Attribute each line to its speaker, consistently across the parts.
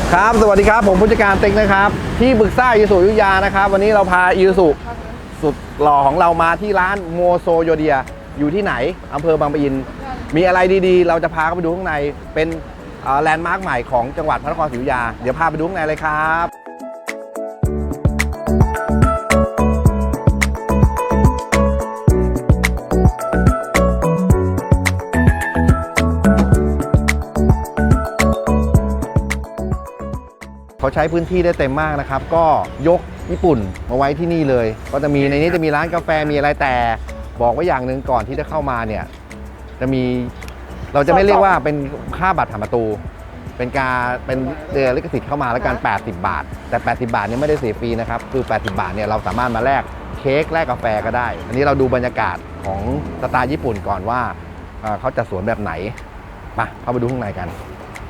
Speaker 1: ครับสวัสดีครับผมผู้จัดการเต็งนะครับที่ปรึกษาอิสุยุธยานะครับวันนี้เราพาอิสุสุดหล่อของเรามาที่ร้านโมโซโยเดียอยู่ที่ไหนอำเภอบางปะอินมีอะไรดีๆเราจะพาเข้าไปดูข้างในเป็นแลนด์มาร์คใหม่ของจังหวัดพระนครศรีอยุธยาเดี๋ยวพาไปดูข้างในเลยครับเขาใช้พื้นที่ได้เต็มมากนะครับก็ยกญี่ปุ่นมาไว้ที่นี่เลยก็จะมีในนี้จะมีร้านกาแฟมีอะไรแต่บอกไว้อย่างหนึ่งก่อนที่จะเข้ามาเนี่ยจะมีเราจะไม่เรียกว่าเป็นค่าบัตรผ่านประตูเป็นการเป็นลิขสิทธิ์เข้ามาแล้วกัน80 บาทแต่80 บาทเนี่ยไม่ได้เสียฟรีนะครับคือ80 บาทเนี่ยเราสามารถมาแลกเค้กแลกกาแฟก็ได้อันนี้เราดูบรรยากาศของสไตล์ญี่ปุ่นก่อนว่าเขาจะสวนแบบไหนมาเข้าไปดูข้างในกัน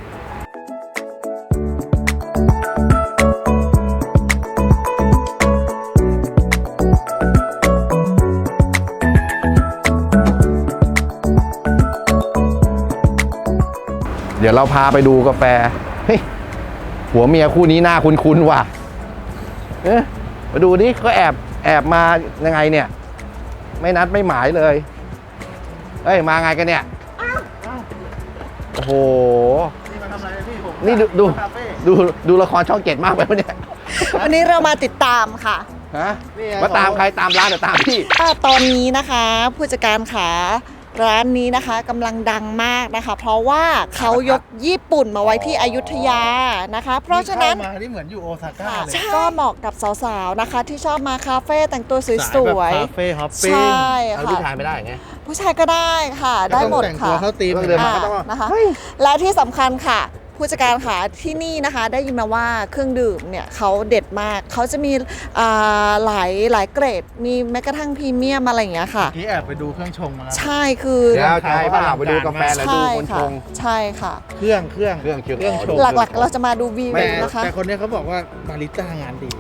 Speaker 1: เดี๋ยวเราพาไปดูกาแฟเฮ้ยหัวเมียคู่นี้หน้าคุ้นๆว่ะมาดูดิเขาแอบมายังไงเนี่ยไม่นัดไม่หมายเลยเอ้ยมาไงกันเนี่ยโอ้โหนี่มาทำอะไรพี่ผมนี่ดูละครช่อง7มากไปปะเนี่ย
Speaker 2: วันนี้เรามาติดตามค่ะ
Speaker 1: ฮะมาตามใครตามร้านหรือตามพี่
Speaker 2: ตอนนี้นะคะผู้จัดการขาร้านนี้นะคะกำลังดังมากนะคะเพราะว่าเขายกญี่ปุ่นมาไว้ที่อยุธยานะคะเพราะฉะนั้น
Speaker 3: มาที่เหมือนอยู่โอซาก้าเลย
Speaker 2: ก็เหมาะกับสาวๆนะคะที่ชอบมาคาเฟ่แต่งตัวสวย
Speaker 3: ๆคาเฟ่ฮอปปิ้ง
Speaker 2: ใช่ค่ะ
Speaker 1: ผู้ชายไม่ได้ไง
Speaker 2: ผู้ชายก็ได้ค่ะได้หมดค่ะ
Speaker 3: แต่งตัวเข้าตีม
Speaker 1: เดินมาก็ต้อง
Speaker 2: นะคะและที่สำคัญค่ะผู้จัดการค่ะที่นี่นะคะได้ยินมาว่าเครื่องดื่มเนี่ยเขาเด็ดมากเขาจะมีหลายเกรดมีแม้กระทั่งพรีเมียมอะไรอย่างเงี้ยค่ะ
Speaker 3: ที่แอบไปดูเครื่องชงมา
Speaker 2: ใช่คือ
Speaker 1: ใช่ป่ะไปดูกาแฟแล้วดูคนชง
Speaker 2: ใช่ค่ะ
Speaker 3: เครื่อง
Speaker 2: ชงหลักๆเราจะมาดูวิวนะคะ
Speaker 3: แต่คนนี้เขาบอกว่าบาริสต้างานดี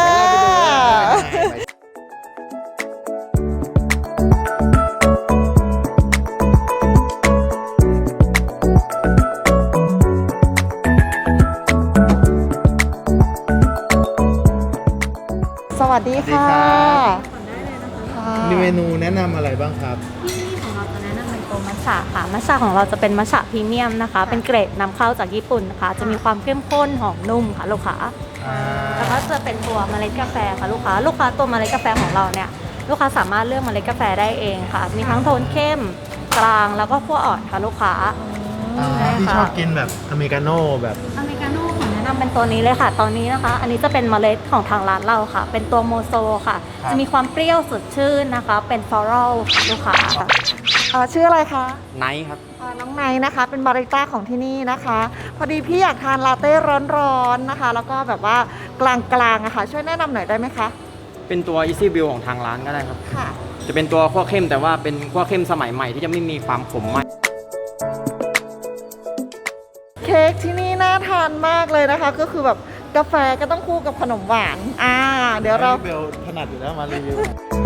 Speaker 2: สวัสดีค่ะ
Speaker 3: มีเมนูแนะนำอะไรบ้างครับ
Speaker 4: ที่นี่ของเราจะแนะนำเป็นตัวมัทฉะค่ะมัทฉะของเราจะเป็นมัทฉะพรีเมียมนะคะเป็นเกรดนำเข้าจากญี่ปุ่นนะคะจะมีความเข้มข้นหอมนุ่มค่ะลูกค้าแล้วก็จะเป็นตัวเมล็ดกาแฟค่ะลูกค้าตัวเมล็ดกาแฟของเราเนี่ยลูกค้าสามารถเลือกเมล็ดกาแฟได้เองค่ะมีทั้งโทนเข้มกลางแล้วก็คั่วอ่อนค่ะลูกค้า
Speaker 3: ที่ชอบกินแบบอเมริกาโน่แบบ
Speaker 4: อเมริกาโน่ของแนะนำเป็นตัวนี้เลยค่ะตอนนี้นะคะอันนี้จะเป็นเมล็ดของทางร้านเราค่ะเป็นตัวโมโซค่ะจะมีความเปรี้ยวสดชื่นนะคะเป็นฟลอรัลค่ะลูกค้า
Speaker 2: ชื่ออะไรคะ
Speaker 1: ไนท์ครับ
Speaker 2: น้องไนท์นะคะเป็นบาริสต้าของที่นี่นะคะพอดีพี่อยากทานลาเต้ร้อนๆนะคะแล้วก็แบบว่ากลางๆอะค่ะช่วยแนะนำหน่อยได้ไหมคะ
Speaker 5: เป็นตัว Easy Brew ของทางร้านก็ได้ครับ
Speaker 2: ค่ะ
Speaker 5: จะเป็นตัวคั่วเข้มแต่ว่าเป็นคั่วเข้มสมัยใหม่ที่จะไม่มีความขมมาก
Speaker 2: เค้กที่นี่น่าทานมากเลยนะคะก็คือแบบกาแฟก็ต้องคู่กับขนมหวานเดี๋ยวเรา
Speaker 3: เบลถนัดอยู่แล้วมารีวิว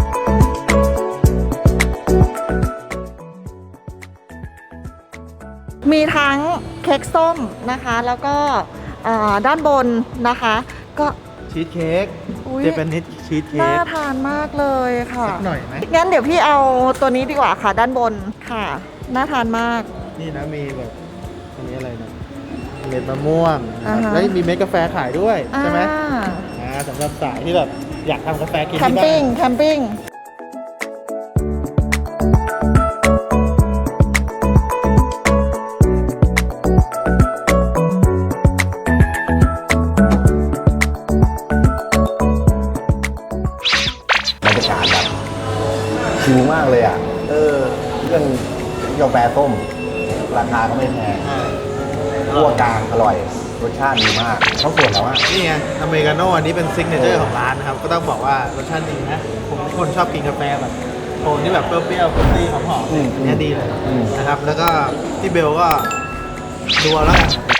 Speaker 2: มีทั้งเค้กส้มนะคะแล้วก็ด้านบนนะคะก็
Speaker 3: ชีสเค้กเจแปนิสชีสเค้ก
Speaker 2: น่าทานมากเลยค่ะ
Speaker 3: สักหน่อยไหม
Speaker 2: งั้นเดี๋ยวพี่เอาตัวนี้ดีกว่าค่ะด้านบนค่ะน่าทานมาก
Speaker 3: นี่นะมีแบบอันนี้อะไรนะเม็ดมะม่วงแล้วมีเม็ดกาแฟขายด้วยใช่ไหมสำหรับสายที่แบบอยากทำกาแฟกินที่บ้าน
Speaker 2: แคมปิ้ง
Speaker 1: บรรยากาศแบบชิลมากเลยอ่ะเรื่องกาแฟส้มราคาก็ไม่แพงคั่วกลางอร่อยรสชาติดีมากเขาส่วนแล้วว่า
Speaker 3: นี่ไงอเมริกาโน่อันนี้เป็นซิกเนเจอร์ของร้านนะครับก็ต้องบอกว่ารสชาติดีนะผมเป็นคนชอบกินกาแฟแบบโทนที่แบบเปรี้ยวๆฟรุตตี้หอมๆอันนี้ดีเลยนะครับแล้วก็ที่เบลก็ดูแล้วกัน